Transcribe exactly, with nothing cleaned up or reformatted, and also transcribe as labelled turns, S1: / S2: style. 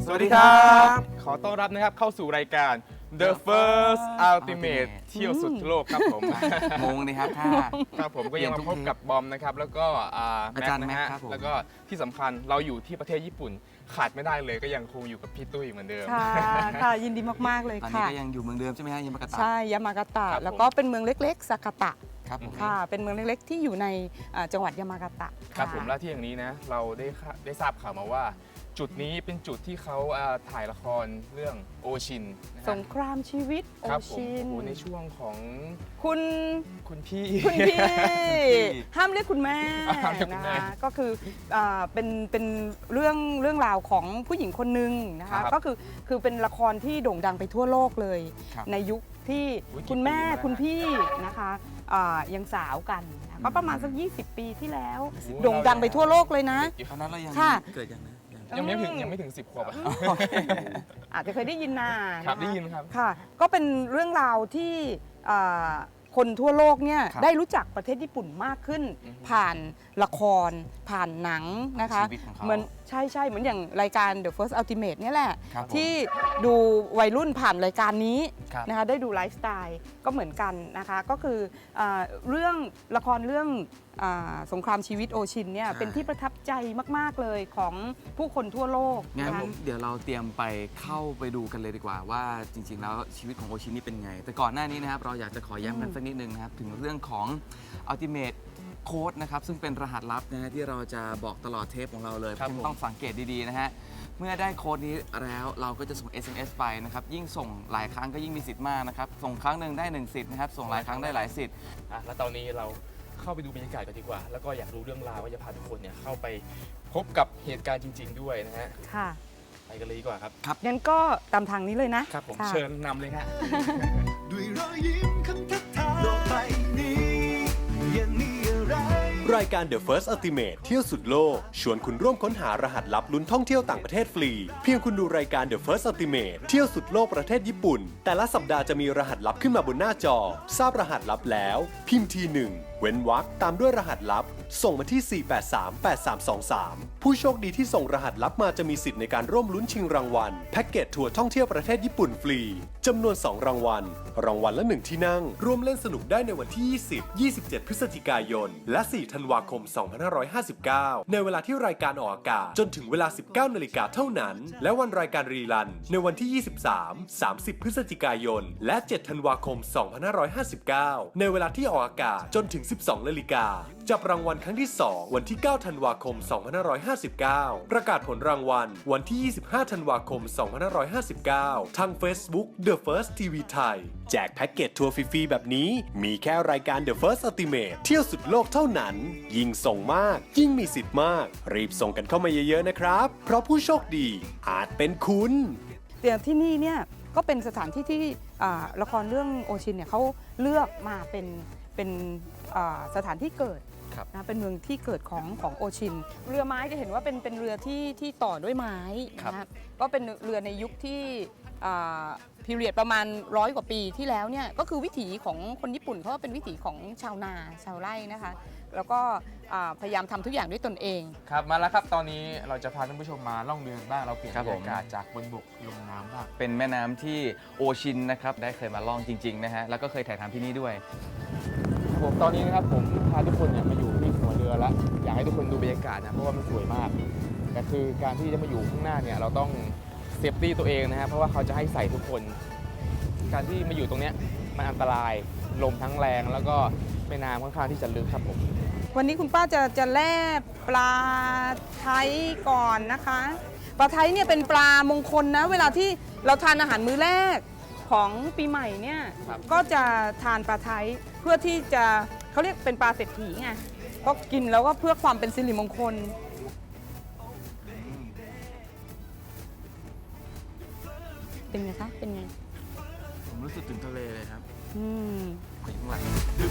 S1: สวัสดีครับขอต้อนรับนะครับเข้าสู่รายการ The First Ultimate เที่ยวสุดโลกครับผม
S2: งงเลยครับค่ะ
S1: ครับผมก็ยังมาพบกับบอมนะครับแล้วก็อาจารย์นะฮะแล้วก็ที่สำคัญเราอยู่ที่ประเทศญี่ปุ่นขาดไม่ได้เลยก็ยังคงอยู่กับพี่ตุ้ยเหมือนเดิม
S3: ค่ะค่ะยินดีมากๆเลยค่ะ
S2: ตอนนี้ก็ยังอยู่เมืองเดิมใช่ไหมฮะยามากาตะ
S3: ใช่ยามากาตะแล้วก็เป็นเมืองเล็กๆซากาตะ
S2: ครับผม
S3: ค่ะเป็นเมืองเล็กๆที่อยู่ในจังหวัดยามากาตะ
S1: ครับผมและที่อย่างนี้นะเราได้ได้ทราบข่าวมาว่าจุดนี้เป็นจุดที่เขาถ่ายละครเรื่องโอชิน
S3: สงครามชีวิตโอชิน
S1: ในช่วงของ
S3: คุณ
S1: คุณพี่
S3: คุณพี่ห้ามเรียกคุณแม่นะคะก็คือเป็นเป็นเรื่องเรื่องราวของผู้หญิงคนหนึ่งนะคะก็คือคือเป็นละครที่โด่งดังไปทั่วโลกเลยในยุคที่คุณแม่คุณพี่นะคะยังสาวกันก็ประมาณสักยี่สิบปีที่แล้วโด่งดังไปทั่วโลกเลยนะ
S2: ตอนนั้นเรายังเกิดยัง
S1: ยังไม่ถึงยังไม่ถึงสิบขวบอ่ะ
S3: อาจจะเคยได้ยินนา
S1: ครับได้ยินครับ
S3: ค่ะก็เป็นเรื่องราวที่คนทั่วโลกเนี่ยได้รู้จักประเทศญี่ปุ่นมากขึ้นผ่านละครผ่านหนังนะคะเหมือนใช่ใช่เหมือนอย่างรายการ The First Ultimate เนี่ยแหละที่ดูวัยรุ่นผ่านรายการนี้นะคะได้ดูไลฟ์สไตล์ก็เหมือนกันนะคะก็คือเรื่องละครเรื่องสงครามชีวิตโอชินเนี่ยเป็นที่ประทับใจมากๆเลยของผู้คนทั่วโลก
S2: งั้นเดี๋ยวเราเตรียมไปเข้าไปดูกันเลยดีกว่าว่าจริงๆแล้วชีวิตของโอชินนี่เป็นไงแต่ก่อนหน้านี้นะครับเราอยากจะขอย้ำกันสักนิดนึงนะครับถึงเรื่องของ Ultimateโค้ดนะครับซึ่งเป็นรหัสลับนะฮะที่เราจะบอกตลอดเทปของเราเลยต้องสังเกตดีๆนะฮะเมื่อได้โค้ดนี้แล้วเราก็จะส่ง เอส เอ็ม เอส ไปนะครับยิ่งส่งหลายครั้งก็ยิ่งมีสิทธิ์มากนะครับส่งครั้งหนึ่งได้หนึ่งสิทธิ์นะครับส่งหลายครั้งได้หลายสิทธิ์
S1: แล้วตอนนี้เราเข้าไปดูบรรยากาศกันดีกว่าแล้วก็อยากรู้เรื่องราวว่าจะพาทุกคนเนี่ยเข้าไปพบกับเหตุการณ์จริงๆด้วยนะฮะ
S3: ค่ะ
S1: ไปกันเลยดีกว่าครับ
S3: ครับงั้นก็ตามทางนี้เลยนะครับ
S1: ผมเชิญนำเลยฮะ
S4: ด้วยรอยยิ้มคำทักทายโลกใบนี้ยังมีอะไรรายการ The First Ultimate เที่ยวสุดโลกชวนคุณร่วมค้นหารหัสลับลุ้นท่องเที่ยวต่างประเทศฟรีเพียงคุณดูรายการ The First Ultimate เที่ยวสุดโลกประเทศญี่ปุ่นแต่ละสัปดาห์จะมีรหัสลับขึ้นมาบนหน้าจอทราบรหัสลับแล้วพิมพ์ทีหนึ่งเว้นวรรคตามด้วยรหัสลับส่งมาที่ สี่ แปด สาม แปด สาม สอง สาม ผู้โชคดีที่ส่งรหัสลับมาจะมีสิทธิ์ในการร่วมลุ้นชิงรางวัลแพ็กเกจทัวร์ท่องเที่ยวประเทศญี่ปุ่นฟรีจำนวนสองรางวัลรางวัลละหนึ่งที่นั่งร่วมเล่นสนุกได้ในวันที่ยี่สิบ ยี่สิบเจ็ดพฤศจิกายนและสี่ธันวาคมสองพันห้าร้อยห้าสิบเก้าในเวลาที่รายการออกอากาศจนถึงเวลา สิบเก้านาฬิกาเท่านั้นและวันรายการรีรันในวันที่ยี่สิบสาม สามสิบพฤศจิกายนและเจ็ดธันวาคมสองพันห้าร้อยห้าสิบเก้าในเวลาที่ออกอากาศจนถึงสิบสองนาฬิกาจับรางวัลครั้งที่สองวันที่เก้าธันวาคมสองพันห้าร้อยห้าสิบเก้าประกาศผลรางวัลวันที่ยี่สิบห้าธันวาคมสองพันห้าร้อยห้าสิบเก้าทาง Facebook The First ที วี ไทยแจกแพ็กเกจทัวร์ฟรีๆแบบนี้มีแค่รายการ The First Ultimate เที่ยวสุดโลกเท่านั้นยิ่งส่งมากยิ่งมีสิทธิ์มากรีบส่งกันเข้ามาเยอะๆนะครับเพราะผู้โชคดีอาจเป็นคุณ
S3: เดี๋ยวที่นี่เนี่ยก็เป็นสถานที่ที่ละครเรื่องโอชินเนี่ยเขาเลือกมาเป็นเป็นสถานที่เกิดนะเป็นเมืองที่เกิดของของโอชินเรือไม้จะเห็นว่าเป็นเป็นเรือที่ที่ต่อด้วยไม้นะก็เป็นเรือในยุคที่พีเรียดประมาณร้อยกว่าปีที่แล้วเนี่ยก็คือวิถีของคนญี่ปุ่นเขาเป็นวิถีของชาวนาชาวไร่นะคะแล้วก็พยายามทำทุกอย่างด้วยตนเอง
S1: ครับมาแล้วครับตอนนี้เราจะพาท่านผู้ชมมาล่องเรือบ้างเราเปลี่ยนบรรยากาศจากบนบกลงน้ำบ้าง
S2: เป็นแม่น้ำที่โอชินนะครับได้เคยมาล่องจริงๆนะฮะแล้วก็เคยถ่ายทำที่นี่ด้วย
S1: ผมตอนนี้นะครับผมพาทุกคนเนี่ยมาอยู่ที่หัวเรือแล้วอยากให้ทุกคนดูบรรยากาศนะเพราะว่ามันสวยมากแต่คือการที่จะมาอยู่ข้างหน้าเนี่ยเราต้องเซฟตี้ตัวเองนะครับเพราะว่าเขาจะให้ใส่ทุกคนการที่มาอยู่ตรงนี้มันอันตรายลมทั้งแรงแล้วก็แม่น้ำค่อนข้างที่จะลึกครับผม
S3: วันนี้คุณป้าจะจะแล่ปลาไทยก่อนนะคะปลาไทยเนี่ยเป็นปลามงคลนะเวลาที่เราทานอาหารมื้อแรกของปีใหม่เนี่ยก็จะทานปลาไทยเพื่อที่จะเขาเรียกเป็นปลาเศรษฐีไงก็กินแล้วก็เพื่อความเป็นสิริมงคลเป็นไงคะเป็นไง
S2: ผมรู้สึกถึงทะเลเลยครับ
S3: อืม
S2: ไปข้างหลัง